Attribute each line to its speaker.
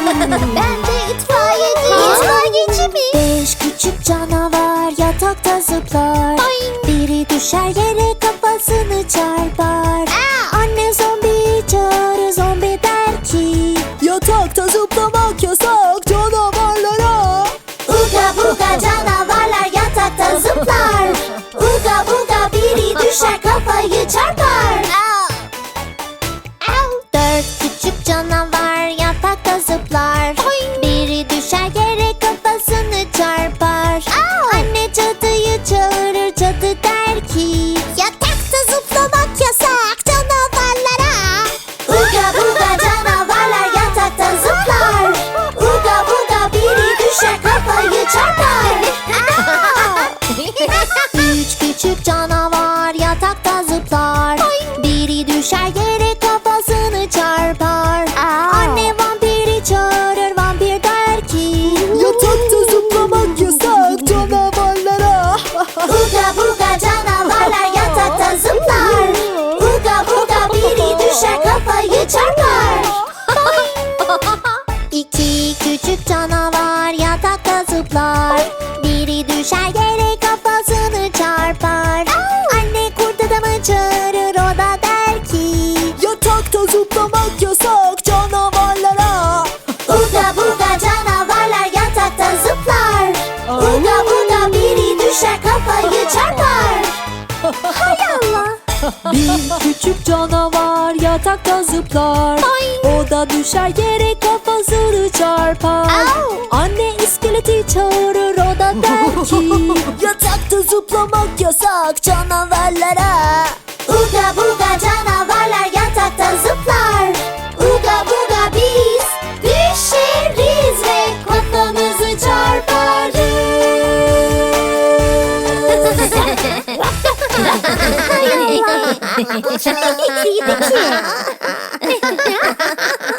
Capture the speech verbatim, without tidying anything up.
Speaker 1: Ben de itfaiyeciyim. İtfaiyeci mi?
Speaker 2: Beş küçük canavar yatakta zıplar. Biri düşer yere kafasını çarpar. Anne zombiyi çağırır, zombi der ki yatakta zıplamak yasak canavarlara.
Speaker 1: Uga buga canavarlar yatakta zıplar. Uga buga biri düşer kafayı çarpar.
Speaker 2: Dört küçük canavar yatakta zıplar. Biri düşer yere kafasını çarpar. Anne cadıyı çağırır, cadı der ki yatakta zıplamak yasak canavarlara.
Speaker 1: Uga buga canavarlar yatakta zıplar. Uga buga biri düşer kafayı çarpar.
Speaker 2: Üç küçük canavar yatakta zıplar. Biri düşer yere kafasını çarpar. Anne vampiri çağırır, vampir der ki yatakta zıplamak yasak canavarlara.
Speaker 1: Uga buga canavarlar yatakta zıplar. Uga buga biri düşer kafayı çarpar.
Speaker 2: İki küçük canavar yatakta zıplar. Biri düşer yere kafasını çarpar. Anne kurt adamı çağırır, o da der ki yatakta zıplamak yasak canavarlara.
Speaker 1: Uga buga canavarlar yatakta zıplar. Uga buga biri düşer kafayı çarpar.
Speaker 2: Hay Allah. Bir küçük canavar yatakta zıplar. O da düşer yere kafasını çarpar. Anne iskeleti çağırır, o da der ki yatakta zıplamak yasak canavarlara.
Speaker 1: Uga buga canavarlar yatakta zıplar. Uga buga biz düşeriz ve kafamızı çarparız. Hay Allah. Bu çok iyiydi ki.